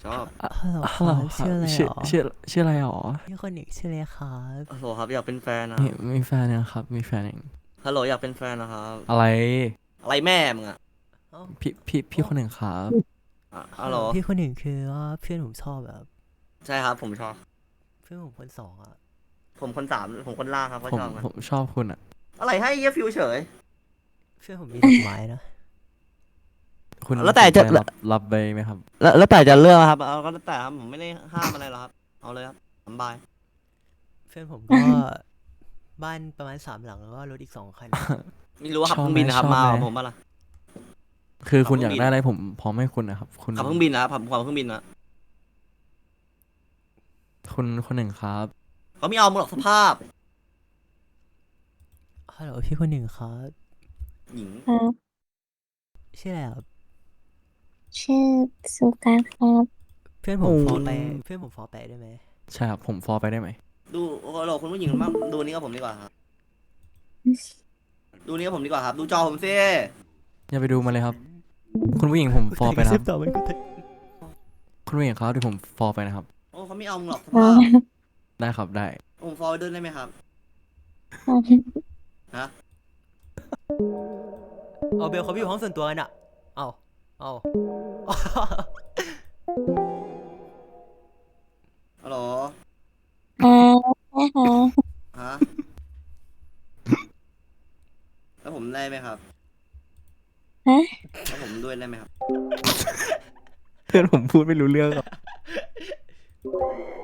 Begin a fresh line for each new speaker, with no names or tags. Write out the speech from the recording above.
อบ
ฮัลโหลค
ฮัลโหล
รับ
ครับ
ชื่ออะไร
ชื่อ
หรอ
ชื่อชื่ออะไรหรอ
พี่คนหนึ่งชื่ออะไรครับ
ฮัลโหลครับอยากเป็นแฟนนะ
มีแฟนยังครับ มีแฟนยัง
ฮัลโหลอยากเป็นแฟนนะครับ
อะไร
อะไรแม่มึงอะ
เอ้า
พี่คนหนึ่งครับ
ฮัลโหล
พี่คนหนึ่งคือว่าเพื่อนผมชอบแบบ
ใช่ครับผมชอบ
เพื่อนผมคนสองอ่ะ
ผมคนสามผมคนล่างครับเขา
ผม
ชอบกัน
ผมชอบคุณอ่ะ
อะไรให้เยี่ยฟิวเฉย
เพื่อนผมมีดอกไม้นะ
คุณ
แล้วแต่จะ
สนใจรับไปไหมครับ
แล้วแต่จะเลือกครับเอาก็แล้วแต่ครับผมไม่ได้ห้ามอะไรหรอกครับเอาเลยครับสบาย
เพื่อนผมก็ บ้านประมาณ3 หลังแล้วก็รถอีก2 คัน
ไม่รู้ว่าขับ
ชอบ
เครื่องบินนะครับ
ไหม
มา
ชอบไหม
กับผมป่ะล่ะ
คือคุณ
ขับ
อยาก
เครื่องบิน
ได้อะไรผมพร้อมให้คุณนะครับ คุณ
ขับเครื่องบินนะครับขับเครื่องบินนะ
คุณคนหนึ่งครับ
เขาไม่เอามึงหรอกสภาพ
ฮัลโหลพี่คนหนึ่งครับ
หญิง
ครับ
ชื่ออะไรครับ
ชื่อสุการครับ
เพื่อนผมฟอไปเพื่อนผมฟอไปได้ไหม
ใช่ครับ ผมฟอไปได้ไหม
ดูฮัลโหลคุณผู้หญิงมากดูนี่กับผมดีกว่าครับดูนี่กับผมดีกว่าครับ ดูจอผมสิ
อย่าไปดูมาเลยครับ คุณผู้หญิงผมฟอไปนะครับ
ต่อมันกูเตะ
คุณผู้หญิงครับเดี๋ยวผมฟอไปนะครับ
โอ้เขาไม่เอามึงหรอกส
ครั
ภา
บ
พ
ได้ครับ ได้
ผมฟอร์เดินได้ไหมครับฮะ
เอาเบลเขาไปอยู่ห้องส่วนตัวกันอ่ะ เอาเอา
ฮัลโหล
นะคะ
ฮะแล้วผมได้ไหมครับ
ฮะ
แล้วผมด้วยได้ไหมครับ
เพื่อนผมพูดไม่รู้เรื่องครับ